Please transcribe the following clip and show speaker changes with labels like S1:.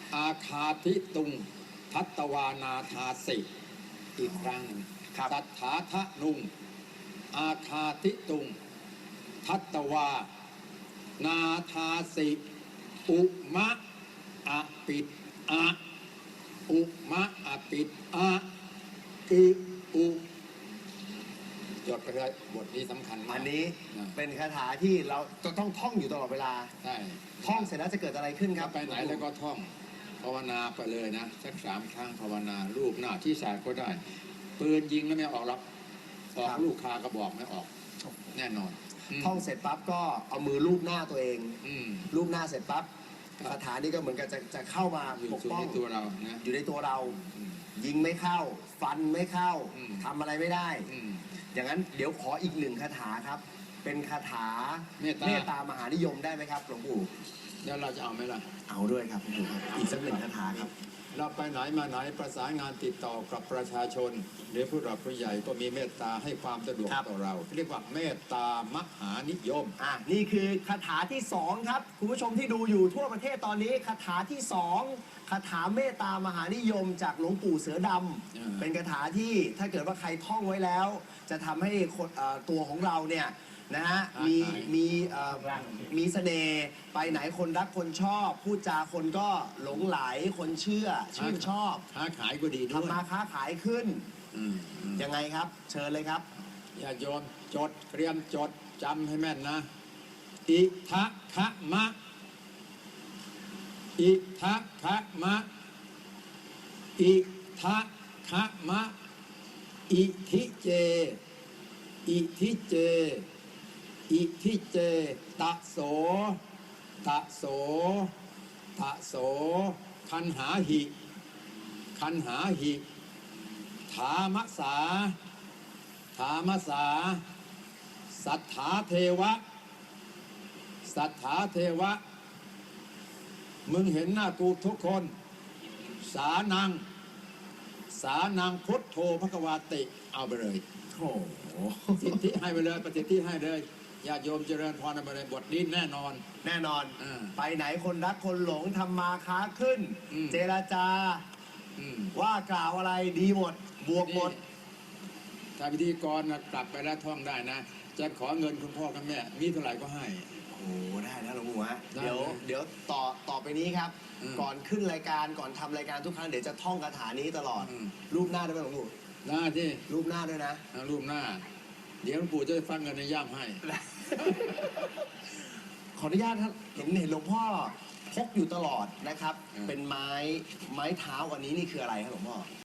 S1: อาคาธิตุงทัตตวานาทาสิอีกครั้งหนึ่งสัทธาทะนุงอาคาธิตุงทัตตวานาทาสิอุมะอปิดอะอุมะอปิดอะอุจดไปเลยบทนี้สำคัญมาก
S2: อันนี้เป็นคาถาที่เราจะต้องท่องอยู่ตลอดเวลา
S1: ใช่
S2: ท่องเสร็จแล้วจะเกิดอะไรขึ้นครับ
S1: ไปไหนแล้วก็ท่องภาวนาไปเลยนะสัก3 ครั้งภาวนารูปหน้าที่ศาสตร์ก็ได้ปืนยิงแล้วไม่ออกหรอกออกลูกคากระบอกไม่ออกแน่นอน
S2: ท่องเสร็จปั๊บก็เอามือลูบหน้าตัวเองลูบหน้าเสร็จปั๊บคาถานี้ก็เหมือนกับจะเข้ามาปกป้อง
S1: ตัวเรานะ
S2: อยู่ในตัวเรายิงไม่เข้าฟันไม่เข้าทำอะไรไม่ได้อย่างนั้นเดี๋ยวขออีก1 คาถาครับเป็นคาถาเมตตามหานิยมได้ไหมครับหลวงปู่
S1: แล้วเราจะเอาไหมล่ะ
S2: เอาด้วยครับหลวงปู่ครับอีกสัก1 คาถาครับ
S1: เราไปไหนมาไหนประสานงานติดต่อกับประชาชนหรือผู้หลักผู้ใหญ่ก็มีเมตตาให้ความสะดวกต่อเราเรียกว่าเมตตามหานิยม
S2: นี่คือคาถาที่2ครับคุณผู้ชมที่ดูอยู่ทั่วประเทศตอนนี้คาถาที่2คาถาเมตตามหานิยมจากหลวงปู่เสือดำเป็นคาถาที่ถ้าเกิดว่าใครท่องไว้แล้วจะทำให้ตัวของเราเนี่ยนะฮะมีเสน่ห์ไปไหนคนรักคนชอบพูดจาคนก็หลงไหลคนชื่นชอบ
S1: ค้าขายก็ดีด้วย
S2: ทำมาค้าขายขึ้นยังไงครับเชิญเลยครับ
S1: ญาติโยมจดเตรียมจดจำให้แม่นนะอิทะคะมะอิทะคะมะอิทะคะมะอิทิเจอิทิเจอิทิเจตะโสตะโสตะโสคันหาหิคันหาหิถามสาถามสาสัทธาเทวะสัทธาเทวะมึงเห็นหน้ากูทุกคนสานังพุทโธภควาติเอาไปเลย
S2: โอ้
S1: สิทธิให้ไปเลยปฏิทิให้เลยญาติโยมเจริญพรไปเลยบทนี้แน่นอน
S2: ไปไหนคนรักคนหลงทำมาค้าขึ้นเจรจาว่ากล่าวอะไรดีหมดบวกหมด
S1: ถ้าพิธีกรกลับไปแล้วท่องได้นะจะขอเงินคุณพ่อกับแม่มีเท่าไหร่ก็ให้
S2: โอ้ได้นะหลวงปู่ฮะเดี๋ยวต่อไปนี้ครับก่อนขึ้นรายการก่อนทำรายการทุกครั้งเดี๋ยวจะท่องคาถานี้ตลอดรูปหน้าได้ไหมหลวงปู่
S1: ได้ที่
S2: รูปหน้าด้วยนะ
S1: รูปหน้าเดี๋ยวหลวงปู่จะฟังเงินในย่ามให้
S2: ขออนุญาตครับเห็นหลวงพ่อพกอยู่ตลอดนะครับเป็นไม้เท้าอันนี้นี่คืออะไรครับหลวงพ่อ